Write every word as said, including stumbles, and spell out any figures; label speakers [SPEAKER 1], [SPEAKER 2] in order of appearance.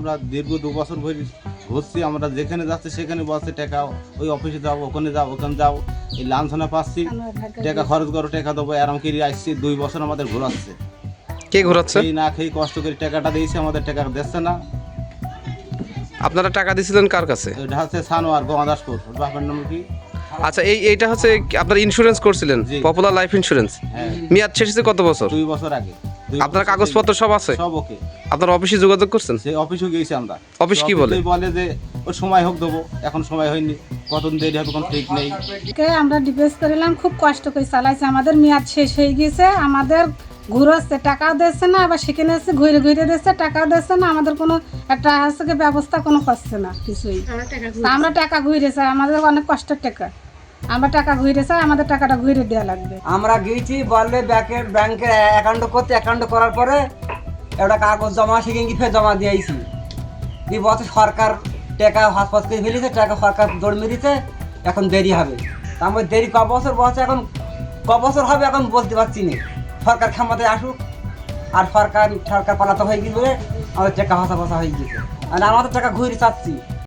[SPEAKER 1] আমরা দীর্ঘ দু বছর ধরে ঘুরছি, আমরা যেখানে যাচ্ছি সেখানে বলছে টাকা ওই অফিসে যাও, ওখানে যাও, ওখানে যাও, এই লাঞ্ছনা পাচ্ছি, টাকা খরচ করো, টাকা দেবো, এরম করে আসছি। দুই বছর আমাদের ঘোরাচ্ছে,
[SPEAKER 2] কে ঘোরাচ্ছে?
[SPEAKER 1] এই না খেয়ে কষ্ট করে টাকাটা দিয়েছে, আমাদের টাকা দিচ্ছে না।
[SPEAKER 2] আপনারা টাকা দিয়েছিলেন কার কাছে?
[SPEAKER 1] এটা হচ্ছে সানোয়ার গঙ্গাদাসপুর, বাপের নাম কি?
[SPEAKER 2] আচ্ছা, এই এইটা হচ্ছে কি আপনার ইন্স্যুরেন্স করছিলেন?
[SPEAKER 1] জি।
[SPEAKER 2] Popular life insurance.
[SPEAKER 1] হ্যাঁ,
[SPEAKER 2] মেয়াদ শেষ হয়েছে কত বছর?
[SPEAKER 1] দুই বছর আগে। দুই
[SPEAKER 2] আপনার
[SPEAKER 1] বছর
[SPEAKER 2] কাগজপত্র সব আছে?
[SPEAKER 1] সব ওকে।
[SPEAKER 2] আপনার অফিসে যোগাযোগ করছেন?
[SPEAKER 1] সেই অফিসে গিয়েছি আমরা।
[SPEAKER 2] অফিস কি বলে?
[SPEAKER 1] অফিসে বলে যে ওই সময় হোক দেবো, এখন সময় হয়নি, কতদিন দেরি হবে কোনো ঠিক নেই।
[SPEAKER 3] কে আমরা ডিপোজিট করিলাম, খুব কষ্ট করে চালাইছে, আমাদের মেয়াদ শেষ হয়ে গিয়েছে, আমাদের ঘুরোচ্ছে, টাকাও দিচ্ছে না, আবার সেখানে এসে ঘুরে ঘুরে দিচ্ছে, টাকাও দিচ্ছে না, আমাদের কোনো একটা হচ্ছে ব্যবস্থা কোনো করছে না কিছুই। তা আমরা টাকা ঘুরে চাই, আমাদের অনেক কষ্টের টাকা, আমরা টাকা ঘুরে চাই, আমাদের টাকাটা ঘুরে দেওয়া লাগবে।
[SPEAKER 4] আমরা গিয়েছি বললে ব্যাংকের ব্যাংকের অ্যাকাউন্ট করতে, অ্যাকাউন্ট করার পরে একটা কাগজ জমা সেখানে গিয়ে ফের জমা দিয়েছি। এই বছর সরকার টাকা হাসপাত করে ফেলেছে, টাকা সরকার দৌড় মেরেছে, এখন দেরি হবে। তা আমার দেরি ক বছর বলছে, এখন ক বছর হবে এখন বলতে পারছি না। সরকার ক্ষমতায় আসুক, আর সরকার সরকার পালাতে হয়ে গিয়ে আমাদের টাকা হাসা ফাঁসা হয়ে গেছে, আর আমাদের টাকা ঘুরে চাচ্ছি।